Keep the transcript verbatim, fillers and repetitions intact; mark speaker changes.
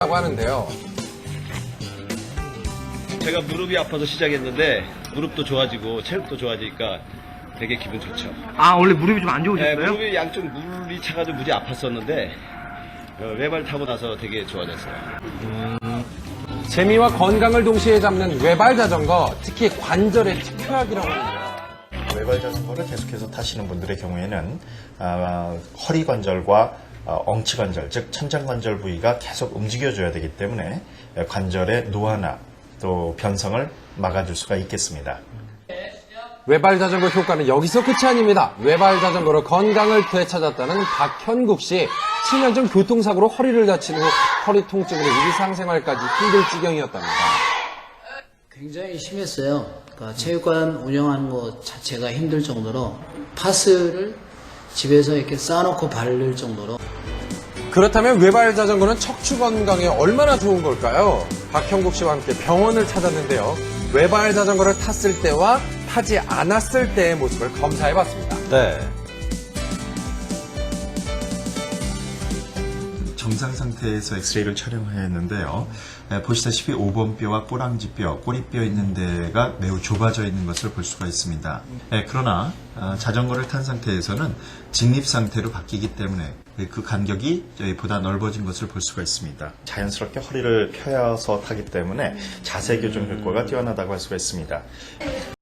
Speaker 1: 라고 하는데요.
Speaker 2: 제가 무릎이 아파서 시작했는데 무릎도 좋아지고 체력도 좋아지니까 되게 기분 좋죠.
Speaker 3: 아, 원래 무릎이 좀 안
Speaker 2: 네,
Speaker 3: 좋으셨어요?
Speaker 2: 무릎이 양쪽 물이 차가지고 무지 아팠었는데 어, 외발 타고 나서 되게 좋아졌어요.
Speaker 1: 재미와 건강을 동시에 잡는 외발 자전거, 특히 관절의 특효약이라고 하는데요.
Speaker 4: 외발 자전거를 계속해서 타시는 분들의 경우에는 아, 허리 관절과 어, 엉치 관절, 즉 천장 관절 부위가 계속 움직여줘야 되기 때문에 관절의 노화나 또 변성을 막아줄 수가 있겠습니다.
Speaker 1: 외발 자전거 효과는 여기서 끝이 아닙니다. 외발 자전거로 건강을 되찾았다는 박현국 씨. 칠 년 전 교통사고로 허리를 다친 후 허리 통증으로 일상생활까지 힘들 지경이었답니다.
Speaker 5: 굉장히 심했어요. 그러니까 체육관 운영하는 것 자체가 힘들 정도로 파스를 집에서 이렇게 쌓아놓고 바를 정도로.
Speaker 1: 그렇다면 외발 자전거는 척추 건강에 얼마나 좋은 걸까요? 박형국 씨와 함께 병원을 찾았는데요. 외발 자전거를 탔을 때와 타지 않았을 때의 모습을 검사해봤습니다.
Speaker 4: 네. 정상 상태에서 엑스레이를 촬영했는데요. 네, 보시다시피 오 번 뼈와 꼬랑지뼈, 꼬리뼈 있는 데가 매우 좁아져 있는 것을 볼 수가 있습니다. 네, 그러나 아, 자전거를 탄 상태에서는 직립 상태로 바뀌기 때문에 그 간격이 보다 넓어진 것을 볼 수가 있습니다. 자연스럽게 허리를 펴서 타기 때문에 자세 교정 효과가 뛰어나다고 할 수가 있습니다.